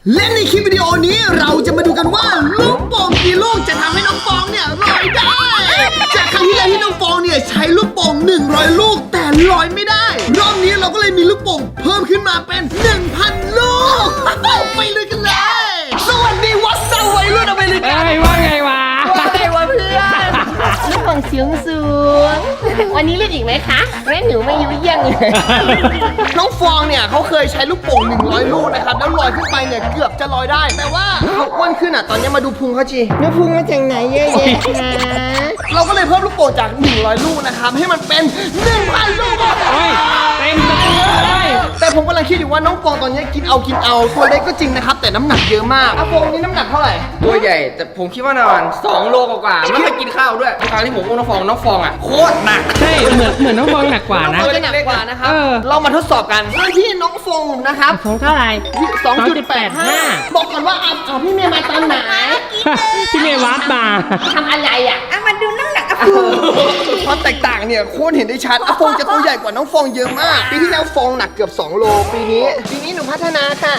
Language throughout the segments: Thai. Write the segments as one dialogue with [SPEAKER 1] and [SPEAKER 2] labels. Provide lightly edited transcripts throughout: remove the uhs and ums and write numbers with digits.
[SPEAKER 1] และในคลิปวิดีโอนี้เราจะมาดูกันว่าลูกโป่งกี่ลูกจะทำให้น้องฟองเนี่ยลอยได้จากครั้งที่แล้วที่น้องฟองเนี่ยใช้ลูกโป่ง100ลูกแต่ลอยไม่ได้รอบนี้เราก็เลยมีลูกโป่งเพิ่มขึ้นมาเป็น 1,000 ลูกไปเลยกันเลยสวัสดีวัดสวัยรุ่นอเมริกัน
[SPEAKER 2] ว่าไงวะ
[SPEAKER 1] ว่าไงวะเพื่อน
[SPEAKER 3] ลูกโป่งสูงวันนี้เล่นอีกไหมคะเล่นหนูไม่ยุ่ยยัง
[SPEAKER 1] น้องฟองเนี่ยเขาเคยใช้ลูกโป่ง100ลูกนะครับแล้วลอยขึ้นไปเนี่ยเกือบจะลอยได้ แต่ว่าเขาอ้วนขึ้นอ่ะตอนนี้มาดูพุงเขาจี
[SPEAKER 3] น้ำพุงมาจากไหนเยอะแยะคะ
[SPEAKER 1] เราก็เลยเพิ่มลูกโป่งจาก100ลูกนะครับให้มันเป็น 1,000 ลูก
[SPEAKER 2] เฮ้ยเต็มเลย
[SPEAKER 1] แต่ผมกำลังคิดอยู่ว่าน้องฟองตอนนี้กินเอาตัวเล็กก็จริงนะครับแต่น้ำหนักเยอะมากฟองนี่น้ำหนักเท่าไหร่
[SPEAKER 4] ตัวใหญ่แต่ผมคิดว่าประมาณ2โลกว่าๆไม่เคยกินข้าวด้วยทุกครั้งที่ผมอุ้มน้องฟองอ่ะโคตรหนัก
[SPEAKER 2] ใช่เหมือนน้องฟองหนักกว่านะ
[SPEAKER 1] ตัวจะหนักกว่านะครับ
[SPEAKER 2] เออ
[SPEAKER 1] เรามาทดสอบกันโดยที่น้องฟองนะครับ
[SPEAKER 3] ของเท่าไหร่
[SPEAKER 1] 2.85 บอกก่อนว่าพี่เมย์มาตอนไหน
[SPEAKER 2] พี่เมย์วัดมา
[SPEAKER 3] ทำอะไรอ่ะมาดูน้ำหนัก
[SPEAKER 1] ความแตกต่างเนี่ยโคตรเห็นได้ชัดฟองจะตัวใหญ่กว่าน้องฟองเยอะมากปีที่แล้วฟองหนักเกือบ2โลปีนี้หนูพัฒนาค่ะ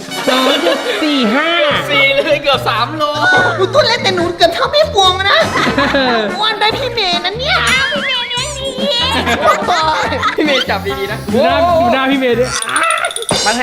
[SPEAKER 2] 2.45
[SPEAKER 4] 4เลยเกือบ3โล
[SPEAKER 1] หนูตัวเล็กแต่หนูเกือบเท่าพี่ฟองนะอ้วนได้พี่เมย์นะเนี่ยพี่เมย์เลี้ยงดี
[SPEAKER 4] พี่เมย์จับดีๆนะ
[SPEAKER 2] ดูหน้าพี่เมย์ด้วย
[SPEAKER 4] มันให้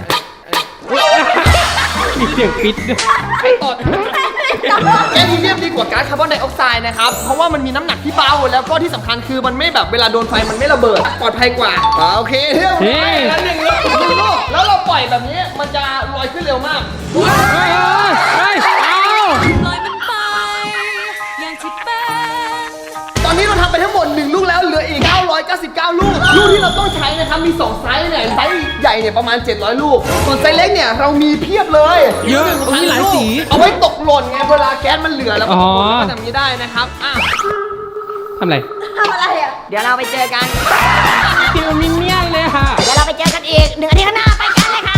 [SPEAKER 2] มีเสียงปิดด้วย
[SPEAKER 4] ไอ้ตด
[SPEAKER 1] แก๊สฮีเลียมดีกว่าก๊าซคาร์บอนไดออกไซด์นะครับ เพราะว่ามันมีน้ำหนักที่เบาแล้วก็ที่สำคัญคือมันไม่แบบเวลาโดนไฟมันไม่ระเบิดปลอดภัยกว่าโอเคเที่ยว
[SPEAKER 2] เฮ้ย
[SPEAKER 1] แล้ว1 ลูกแล้วเราปล่อยแบบนี้มันจะลอยขึ้นเร็วมาก
[SPEAKER 2] เฮ้ยเอา
[SPEAKER 5] ลอยมันไปอย่างที่เป็น
[SPEAKER 1] ตอนนี้เราทำไปทั้งหมด1ลูกแล้วเหลืออีก999ลูกที่เราต้องใช้นะครับมี2ไซส์เนี่ยไซส์ใหญ่เนี่ยประมาณ700ลูกส่วนไซส์เล็กเนี่ยเรามีเพียบเลย
[SPEAKER 2] เยอะมีหลายสี
[SPEAKER 1] เอาไว้ตกหล่นไงเวลาแก๊สมันเหลือแล้ว
[SPEAKER 2] อ๋อ
[SPEAKER 1] ก็ทำนี้ได้นะครับ
[SPEAKER 2] ทำอะไร
[SPEAKER 3] เดี๋ยวเราไปเจอกัน
[SPEAKER 2] คิวมินเนี่ยนเลยค่ะ
[SPEAKER 3] เดี๋ยวเราไปเจอกันอีก1 อาทิตย์ข้างหน้าไปกันเลยค่ะ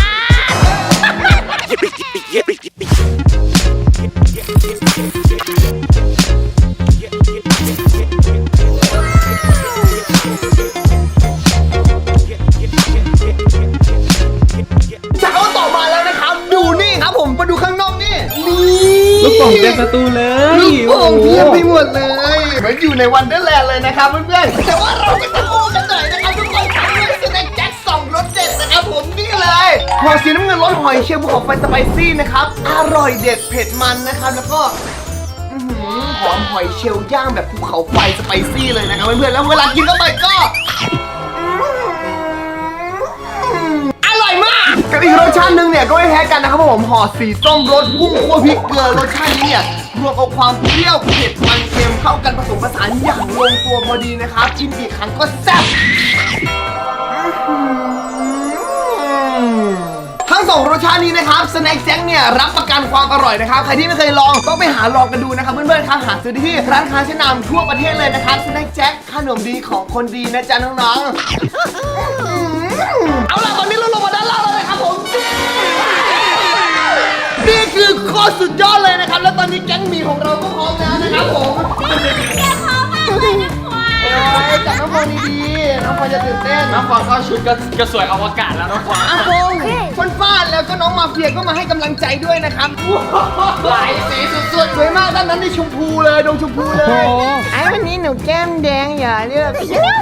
[SPEAKER 1] จากเอาต่อมาแล้วนะครับดูนี่ครับผมมาดูข้างนอกนี่
[SPEAKER 2] ลูกโป่งเต็มประตูเลย
[SPEAKER 1] ลูกโป่งเพียบไปหมดเลยเหมือนอยู่ในวันเดอร์แลนด์เลยนะครับเพื่อนๆแต่ว่าเราไปตะโกนกันหน่อยนะครับทุกคนครับด้วยสแน็คแจ็ค2รสเด็ดนะครับผมนี่เลยหอสีน้ำเงินรสหอยเชลล์ภูเขาไฟสไปซี่นะครับอร่อยเด็ดเผ็ดมันนะครับแล้วก็หอมหอยเชลล์ย่างแบบภูเขาไฟสไปซี่เลยนะครับเพื่อนๆแล้วเวลากินเข้าไปก็อร่อยมากกับอีกรสชาติหนึ่งเนี่ยก็ไม่แพ้กันนะครับผมห่อสีส้มรสพุ่งคั่วพริกเกลือรสชาตินี้เนี่ยรวมเอาความเปรี้ยวเผ็ดมันเค็มเข้ากันผสมผสานอย่างลงตัวพอดีนะครับกินกี่ครั้งก็แซ่บทั้งสองรสชาตินี้นะครับสแน็คแจ็คเนี่ยรับประกันความอร่อยนะครับใครที่ไม่เคยลองต้องไปหาลองกันดูนะครับเพื่อนๆครับหาซื้อได้ที่ร้านค้าชั้นนำทั่วประเทศเลยนะครับสแน็คแจ็คขนมดีของคนดีนะจ๊ะน้องๆเอาล่ะตอนนี้เราลงมาด้านล่างแล้วนะครับผมนี่คือโคตรสุดยอดเลยนะครับแล้วตอนนี้แก๊งหมีของเราก็พร้อมแล้วนะครับผมจับน้องฟองดีๆน้องฟองจะตื่นเต้น
[SPEAKER 4] น้องฟองเข้าชุดก็สวยอวกาศแล้วน้องฟอง
[SPEAKER 1] อาฟงฟันฟาดแล้วก็น้องมาเฟียก็มาให้กำลังใจด้วยนะครับหลายสีสุดๆสวยมากด้านนั้นในชมพูเลยดวงชมพูเลย
[SPEAKER 2] โอ้โห
[SPEAKER 3] ไอ้วันนี้หนูแก้มแดงอย่าเลือก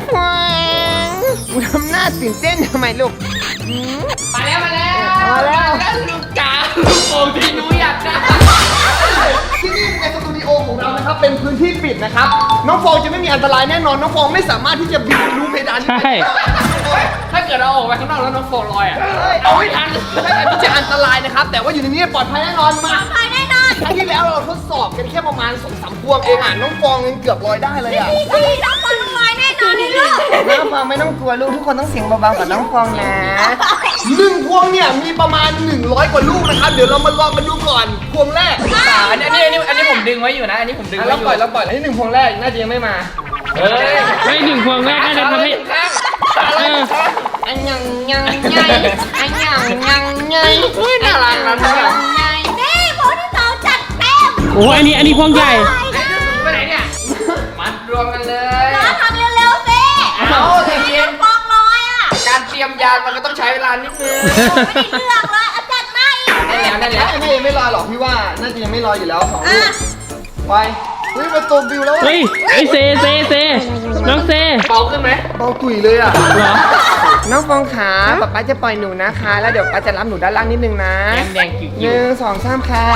[SPEAKER 3] ทำหน้าตื่นเต้นทำไมลูก
[SPEAKER 4] มาแล้ว
[SPEAKER 3] มาแล้ว
[SPEAKER 4] ลูกจ๋าลูกโป่งที่หนูอยากได้
[SPEAKER 1] ที่นี่ในสตูดิโอของเรานะครับเป็นพื้นที่ปิดนะครับน้องฟองจะไม่มีอันตรายแน่นอนน้องฟองไม่สามารถที่จะบินทะลุเพดานนี้
[SPEAKER 2] ใช่
[SPEAKER 4] ถ้าเกิดเราออกไปข้างนอกแล้วน้องฟองลอยอ่ะ
[SPEAKER 1] เอาไม่ทันไม่อาจจะอันตรายนะครับแต่ว่าอยู่ในนี้ปลอดภัยแน่นอนมาครั้งที่แล้วเราทดสอบกันแค่ประมาณ2-3 พวงเองน้องฟองยังเกือบลอยได้เลยน้องฟองไม่ต้องกลัวลูกทุกคนต้องเสียงเบาๆกับน้องฟองนะ1 พวงเนี่ยมีประมาณ100 กว่าลูกนะครับเดี๋ยวเรามาลองกันดูก่อนพวงแรก
[SPEAKER 4] อันนี้ผมดึงไว้อยู่นะ อันนี้ผมดึงไว้อยู่
[SPEAKER 1] เราปล่อยอันนี้1 พวงแรกน่าจะยังไม่มา
[SPEAKER 4] เฮ้ย
[SPEAKER 2] ไม่ถึงพวงแรกน่าจะทำให้เออ
[SPEAKER 3] อันยังไงอันยังไง
[SPEAKER 4] น่ารักนะน่ารัก
[SPEAKER 2] โอ้อันนี้พวงใหญ่
[SPEAKER 4] ไปไหนเนี่ยมัดรวมกันเลย
[SPEAKER 5] ทำเร็วๆสิ
[SPEAKER 4] เอาใจเย็น
[SPEAKER 5] ฟองน้อยอ่ะ
[SPEAKER 4] การเตรียมยานมันก็ต้องใช้เวลานิดนึง
[SPEAKER 5] ไม่ได้เลือกเลยเอาจัดมาอีก
[SPEAKER 4] ได้แล้วได้แล้ว
[SPEAKER 1] น่าจะยังไม่ลอยหรอกพี่ว่าน่าจะยังไม่ลอยอยู่แล้ว2 ลูกไปเฮ้ยมาตัวบิวแล้ว
[SPEAKER 2] เฮ้ยไอเซน้องเซ
[SPEAKER 4] เบาขึ้นไหม
[SPEAKER 1] เบาตุ๋ยเลยอ่ะ
[SPEAKER 2] เหรอ
[SPEAKER 3] น้องฟองขาป๊าป๊าจะปล่อยหนูนะคะ แล้วเดี๋ยวป๊าจะรับหนูด้านล่างนิดนึงนะ
[SPEAKER 4] แดงๆกิ่
[SPEAKER 3] 1 2 3ค่ะ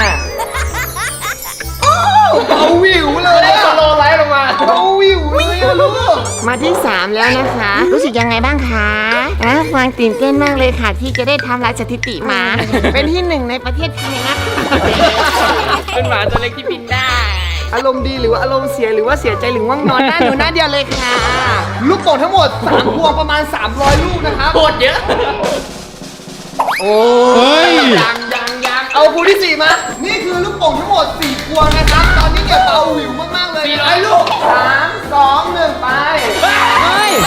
[SPEAKER 1] เบาวิวเลย
[SPEAKER 4] ได้สโลว์ไลท์ลงมา
[SPEAKER 1] เบาวิวเลยอะลูก
[SPEAKER 3] มาที่ 3 แล้วนะคะ รู้สึกยังไงบ้างคะฟางตื่นเต้นมากเลยค่ะ ที่จะได้ทำลายสถิติมา เป็นที่ 1ในประเทศไทยนะคะ
[SPEAKER 4] เป็นหมาตัวเล็กที่บินได้
[SPEAKER 3] อารมณ์ดีหรือว่าอารมณ์เสียหรือว่าเสียใจหรือง่วงนอนหน้าหนูหน้าเดียวเลยค่ะ
[SPEAKER 1] ลูกโป่งทั้งหมด3 พวงประมาณ300 ลูกนะครับ
[SPEAKER 4] โคตรเยอะ
[SPEAKER 1] โอ้
[SPEAKER 2] เฮ้ย
[SPEAKER 4] ยัง
[SPEAKER 1] เอาพวงที่ 4 มา นี่คือลูกโป่งทั้งหมด4 พวงนะครับ ตอนนี้เนี่ยเบาวิวมากๆเลย400 ลูก3 2 1ไป
[SPEAKER 2] เฮ้ย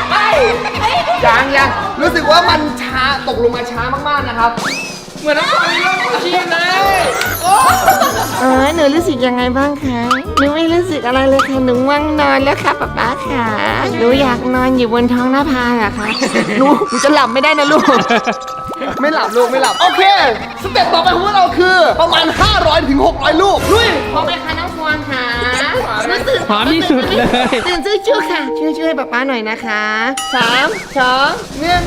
[SPEAKER 1] ยังรู้สึกว่ามันช้าตกลงมาช้ามากๆนะครับ
[SPEAKER 4] เหมือนน้ำตาลเริ่มชีพเลย
[SPEAKER 3] หนูรู้สึกยังไงบ้างคะ หนูไม่รู้สึกอะไรเลยค่ะ หนูง่วงนอนแล้วค่ะป๊าป๊าค่ะ หนูอยากนอนอยู่บนท้องหน้าพาอะค่ะ หนูจะหลับไม่ได้นะลูก
[SPEAKER 1] ไม่หลับลูกไม่หลับ โอเค สเต็ปต่อไปของพวกเราคือประมาณ 500 ถึง 600 ลูกลุย
[SPEAKER 3] พร้อมไหมคะน้องฟวงค่ะรู้สึก
[SPEAKER 2] พร้อมที่สุดเลย
[SPEAKER 3] ตื่นชื่อค่ะ ช่วยป๊าป๊าหน่อยนะคะ3 2 1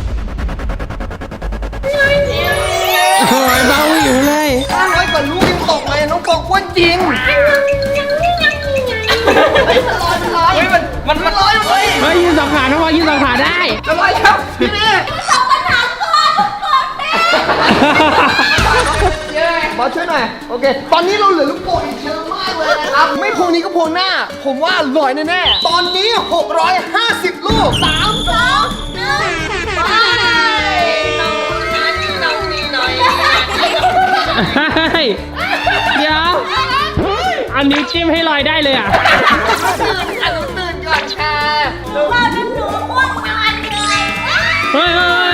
[SPEAKER 2] โอ้ยเบาอยู่เลย
[SPEAKER 1] 500 กว่าลูกยังตกเลยน้องฟองอ้วนจริง
[SPEAKER 4] เฮ้ยมันร้อยเลย
[SPEAKER 2] เฮ้ยยืนสองขาน้องบอลยืนสองขาได้
[SPEAKER 1] จะลอยครับพี่นี่บอสช่วยหน่อย โอเค ตอนนี้เราเหลือลูกโป่งอีกเยอะมากเลยนะครับ ไม่พวงนี้ก็พวงหน้า ผมว่าลอยแน่ๆ ตอนนี้ 650 ลูก 3 2 1ไป
[SPEAKER 2] เฮ้ยเดี๋ยวอันนิ้วจิ้มให้ลอยได้เลยอ่ะ
[SPEAKER 3] ตื่นก่อนค่ะ
[SPEAKER 2] เฮ้ย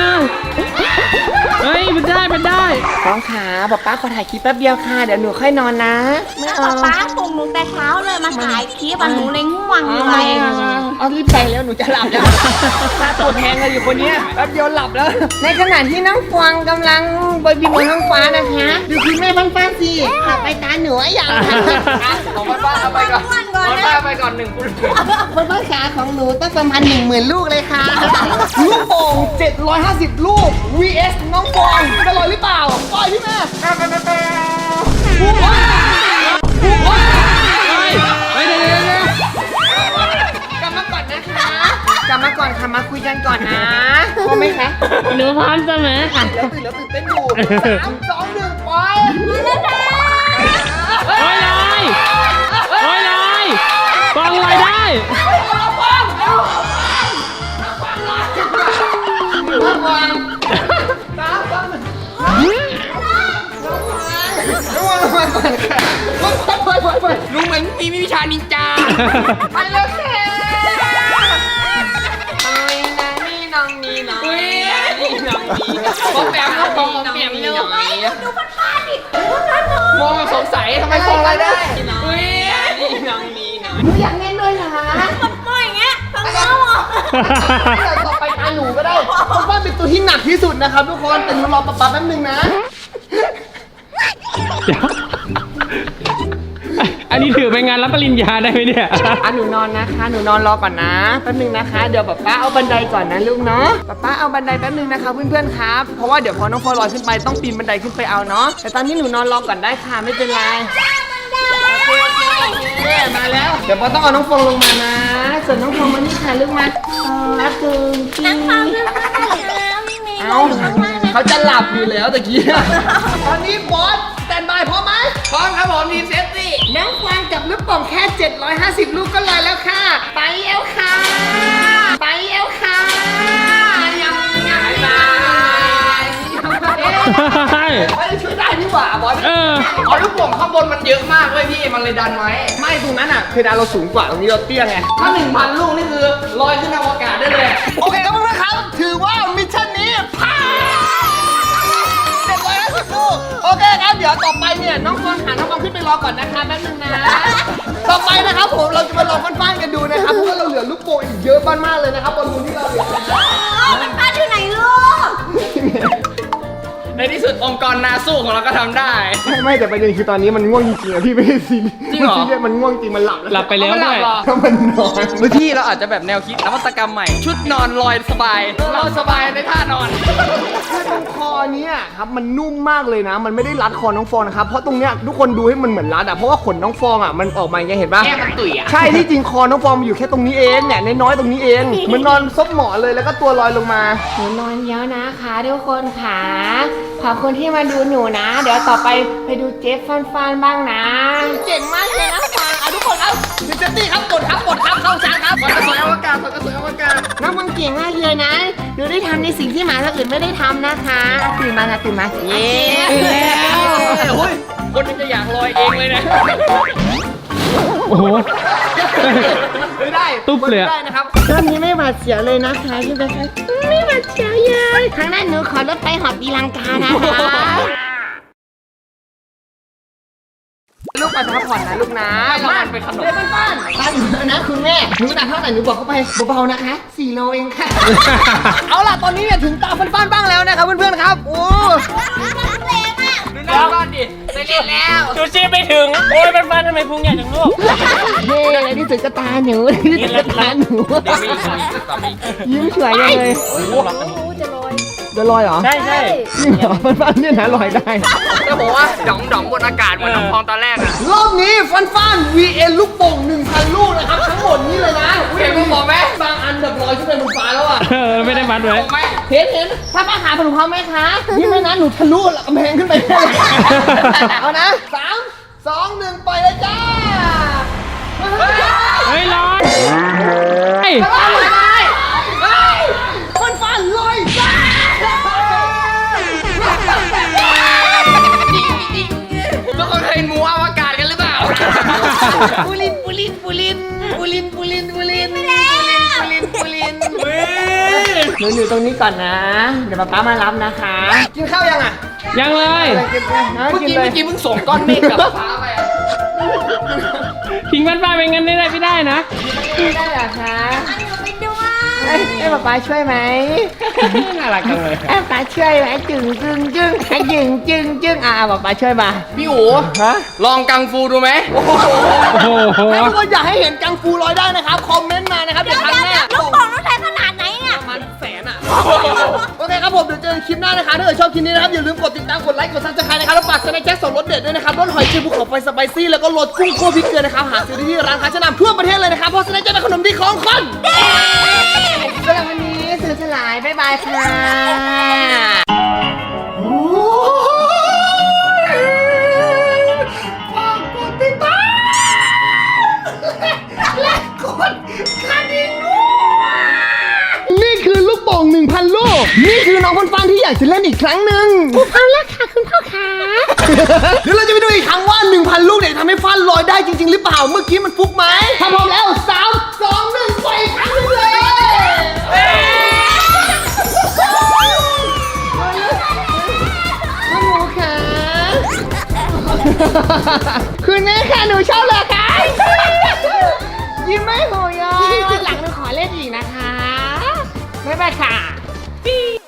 [SPEAKER 2] เฮ้ยมันได้
[SPEAKER 3] น้องขาป๊าป๊าขอถ่ายคลิปแป๊บเดียวค่ะ เดี๋ยวหนูค่อยนอนนะ ไม่เอา
[SPEAKER 5] ป๊าปลุกหนูแต่เช้าเลยมาถ่ายคลิปหนูเลยง่วงเล
[SPEAKER 3] ไม่
[SPEAKER 5] ย
[SPEAKER 3] เอารีบไปแล้วหนูจะหลับแล้วตาปวดแทงเลยอยู่คนเนี้ยแป๊บเดียวหลับแล้ว ในขณะที่น้องฟวงกำลังบนบินบนท้องฟ้านะคะ ดูคุณแม่ฟ้าสิหลับไปตาหนูอย่างค่ะ
[SPEAKER 4] ของบ้านเอาไปก่อนบ้านไปก่อน1 คุณ
[SPEAKER 3] บนบ้านขาของหนูต้องประมาณ10,000 ลูกเลยค่ะ
[SPEAKER 1] ลูกโป่ง750 ลูก vs น้องฟองจะลอยหรือเปล่าปล่อยพี่แม่
[SPEAKER 2] เฮ้ยเดี๋ยว
[SPEAKER 3] กลับมาก่อนนะคะ กลับมาก่อนค่ะ มาคุยกันก่อนนะพร้อมไหมคะ
[SPEAKER 2] หนูพร้อมเสมอค่ะ
[SPEAKER 1] แล้วตื่นเต้นอยู่3 2 1ไป
[SPEAKER 2] โอ้ยลอยโอ้ยลอยฟองลอยได้
[SPEAKER 1] ระวังก่อนค่ะไป
[SPEAKER 4] ลุงเหมือนมีวิชานินจา
[SPEAKER 3] ไปเลยค่ะโอ้ยนะนี่น้องนี่น้อง
[SPEAKER 4] เฮ้ยปอมแปมครับปอมแปมเลยดูพันดิมองสงสัยทำไมฟองอะไรได้เฮ้ย
[SPEAKER 3] หนูอยากเล่นด้วยเหรอคะ
[SPEAKER 1] ต่อไปตาหนูก็ได้เพราะว่าเป็นตัวที่หนักที่สุดนะครับทุกคน แต่หนูรอป๊าแป๊บนึงนะ
[SPEAKER 2] เดี๋ยวอันนี้ถือเป็นงานรับปริญญาได้ไหมเนี่ย
[SPEAKER 3] หนูนอนนะคะ หนูนอนรอก่อนนะแป๊บนึงนะคะ เดี๋ยวป๊าเอาบันไดก่อนนะลูกเนาะป๊าเอาบันไดแป๊บนึงนะคะเพื่อนๆครับ เพราะว่าเดี๋ยวพอน้องฟอลอยขึ้นไปต้องปีนบันไดขึ้นไปเอาเนาะ แต่ตอนนี้หนูนอนรอก่อนได้ค่ะไม่เป็นไรโอเคมาแล้ว เดี๋ยวป๊าต้องเอาน้องฟองลงมานะ ส่วนน้องฟองมานี่ค่ะลูกมารักเกินจริงเอาเขาจะหลับอยู่แล้วตะกี้
[SPEAKER 1] ตอนนี้บอสสแตนบายพร้อมไหม
[SPEAKER 4] พร้อมครับผมทีมเซฟตี้
[SPEAKER 3] น้องฟางกับลูกโป่งแค่ 750 ลูกก็ลอยแล้วค่ะ ไปเอวค่ะ ไปเอวค่ะยังบาย
[SPEAKER 1] ช่วยได้นี่หว่าบอส
[SPEAKER 2] เออ
[SPEAKER 4] เอาลูกโป่งข้างบนมันเยอะมากเว้ยพี่มันเลยดันไว้
[SPEAKER 1] ไม่ตรงนั้นอ่ะเพดานเราสูงกว่าตรงนี้เราเตี้ยไง
[SPEAKER 4] ถ้า1,000 ลูกนี่คือลอยขึ้นอวกาศได้เลย
[SPEAKER 1] โอเคครับเพื่อนๆครับ ถือว่ามิชชั่นนี้ผ่าน750 ลูก โอเคครับ เดี๋ยวต่อไปเนี่ยน้องฟองหาน้องฟองขึ้นไปรอก่อนนะคะแป๊บนึงนะ ต่อไปนะครับผมเราจะมาลองฟันๆกันดูนะครับเพราะว่าเราเหลือลูกโป่งอีกเยอะมากๆเลยนะครับบอลลูนที่เราเหลือ
[SPEAKER 5] มันป้าอยู่ไหนลูก
[SPEAKER 2] ใน
[SPEAKER 4] ที่สุดองค์กรนาสู้ของเราก็ทำได้
[SPEAKER 1] ไม่แต่ประเด็นคือตอนนี้มันง่วงจริงๆอะพี่ไม่ได้ซีเรียส
[SPEAKER 4] จริงเหรอ
[SPEAKER 1] มันซีเรียสมันง่วงจริงมันหลับ
[SPEAKER 2] หลับไปแล้วด้วย
[SPEAKER 1] ถ้ามันนอน
[SPEAKER 4] บางที่เราอาจจะแบบแนวคิดนวัตกรรมใหม่ ชุดนอนลอยสบาย เราสบายในท่านอน
[SPEAKER 1] คือตรงคอเนี้ยครับมันนุ่มมากเลยนะ มันไม่ได้รัดคอน้องฟองนะครับเพราะตรงเนี้ยทุกคนดูให้มันเหมือนรัดอะเพราะว่าขนน้องฟองอะมันออกมาอย่างเงี้ยเห็นปะ
[SPEAKER 4] แค่มันตุ๋ยอ่ะ
[SPEAKER 1] ใช่ที่จริงคอน้องฟองมันอยู่แค่ตรงนี้เองเนี่ยน้อยๆตรงนี้เองเหมันนอนซบหมอนเลยแล้วก็ตัวลอยลงมา
[SPEAKER 3] หนูนอนเยอะนะคะทุกคนค่ะขอบคุณที่มาดูหนูนะ เดี๋ยวต่อไปดูเจฟฟันบ้างนะเก่งมากเลยนะฟังเอาทุกคนเอาดิเจตี้ครับกดครับเข้าชาร์จครับ
[SPEAKER 4] มันกระสวยอวกาศมันกระสวยอวกาศ
[SPEAKER 3] น้องฟังเก่งมากเลยนะหนูได้ทำในสิ่งที่หมาตัวอื่นไม่ได้ทำนะคะตื่นมาค่ะตื่นมาเย้
[SPEAKER 4] โอ้ยคนนึงจะอยากลอยเองเลยนะ
[SPEAKER 2] โอ้โห
[SPEAKER 1] ไม่ได้
[SPEAKER 2] ตุ๊บเลยอะ
[SPEAKER 1] ไม่ได้นะครับ
[SPEAKER 3] รอบนี้ไม่หวาดเสียวเลยนะคะใช่ไหมคะไม่หวาดเสียวเลยครั้งหน้าหนูขอรถไปหอบตีลังกานะคะ
[SPEAKER 1] ลูกไปพักผ่อนนะลูกนะ
[SPEAKER 4] บ้านเป็นขนม
[SPEAKER 1] เล่นบ้านบ้านหนูนะคุณแม่หนูหนักเท่าไหร่หนูบอกเขาไปเบาๆนะคะ4 โลเองค่ะ เอาล่ะตอนนี้เนี่ยถึงตาฟันๆบ้างแล้วนะครับเพื่อนๆครับโอ้
[SPEAKER 4] ดูหน้าบ้านดิไปเล่นแล้ว
[SPEAKER 2] ดูชีไปถึง โอ้ยเป็นฟันทำไมพุงใหญ่จังลูก
[SPEAKER 3] เย้อะไรที่สุดก็ตาหนูที่สุดก็ตาหนู
[SPEAKER 4] เดี๋ยวมีอีกต่อไปอีก
[SPEAKER 3] ยิ้มสวยจังเลย
[SPEAKER 1] จะลอยเหรอ
[SPEAKER 2] ใช่ใช่
[SPEAKER 1] จริงเหรอฟันๆเนี่ยนะลอยได้
[SPEAKER 4] ก็บอกว่าด่องบนอากาศเหมือนน้องพองตอนแรกอ่ะ
[SPEAKER 1] รอบนี้ฟันๆ VN ลูกโป่ง 1,000 ลูกนะครับทั้งหมดนี้เลยนะ
[SPEAKER 4] เห็นลูกโป่งไหม
[SPEAKER 1] บางอันแบบลอยขึ้นไปบนฟ้าแล้วอ่ะ
[SPEAKER 2] เออ ไม่ได้มัดไว้
[SPEAKER 4] ไม่
[SPEAKER 3] เห็นถ้าป้าขาผมพร้อมไหมคะ
[SPEAKER 1] นี่ไม่นะหนูทะลุกำแพงขึ้นไปได้เลยเอานะ3 2 1ปล่อยเลยจ้า
[SPEAKER 2] เฮ้ยร้อนเฮ้ย
[SPEAKER 1] ฟันๆลอยจ้า
[SPEAKER 4] ทุกคนเคยเห็นหมูอวกาศกันหรือเปล่า
[SPEAKER 3] ปูลิน หนูอยู่ตรงนี้ก่อนนะ เดี๋ยวป๊ามารับนะคะ
[SPEAKER 1] กินข้าวยังอ่ะ
[SPEAKER 2] ยังเลย
[SPEAKER 1] กินเลยนะ
[SPEAKER 4] เมื่อ
[SPEAKER 1] กิน
[SPEAKER 4] กี้
[SPEAKER 1] เลย
[SPEAKER 4] เพิ่งส่งก้อนเมฆกับฟ้าไปอะ
[SPEAKER 2] ทิ้งฟันปลาเป็นงั้นไม่ได้นะ
[SPEAKER 3] ไม่ได้เหรอคะ
[SPEAKER 5] ไปด้วย
[SPEAKER 3] ให้ป๊าช่วยไหม
[SPEAKER 2] น่ารักจังเลย
[SPEAKER 3] ให้ป๊าช่วยไหมจึงให้จึงป๊าช่วยมา
[SPEAKER 4] พี่อู๋
[SPEAKER 1] ฮะ
[SPEAKER 4] ลองกังฟูดูไหม
[SPEAKER 2] โอ้โห
[SPEAKER 1] ถ้าทุกคนอยากให้เห็นกังฟูลอยได้นะครับ คอมเมนต์มานะครับ เดี๋ยวครั้งหน้า
[SPEAKER 5] ลูกโป่งต้องใช้ขนาดไหนเนี่ย
[SPEAKER 1] ประมาณ100,000อ่ะ โอเคครับผม เดี๋ยวเจอกันคลิปหน้านะคะ ถ้าเกิดชอบคลิปนี้นะครับ อย่าลืมกดติดตาม กดไลค์ กดซับสไครต์นะครับ แล้วฝากสแน็คแจ็คส่งรสเด็ดด้วยนะครับ รสหอยเชลล์ภูเขาไฟสไปซี่ แล้วก็รสกุ้งคั่วพริกเกลือนะครับ หาซื้อได้ที่ร้านค้าชั้นนำทั่วประเทศเลยนะครับ เพราะสแน็คแจ็คเป็นขนมดีของคน
[SPEAKER 3] สำหรับวันนี้สื่อสลาย บ๊ายบายค่ะ
[SPEAKER 1] ฝากกดติดตามและกดกระดิ่งด้วยนี่คือลูกโป่ง 1,000 ลูก นี่คือน้องฟันๆที่อยากจะเล่นอีกครั้งหนึ่ง
[SPEAKER 3] เอาละค่ะคุณพ่อค่ะ
[SPEAKER 1] เดี๋ยวเราจะไปดูอีกครั้งว่า 1,000 ลูกเนี่ยทำให้ฟันลอยได้จริง ๆ หรือเปล่า เมื่อกี้มันฟุกไหมถ้าพร้อมแล้ว 3 2 1 ปล่อยอีกครั้งหนึงเลยหนูค่ะ คุณแม่ค่ะ หนูชอบเหรอคะยิ้มไม่หูยอ
[SPEAKER 3] หลังหนูขอเล่นอีกนะคะ บ๊ายบายค่ะ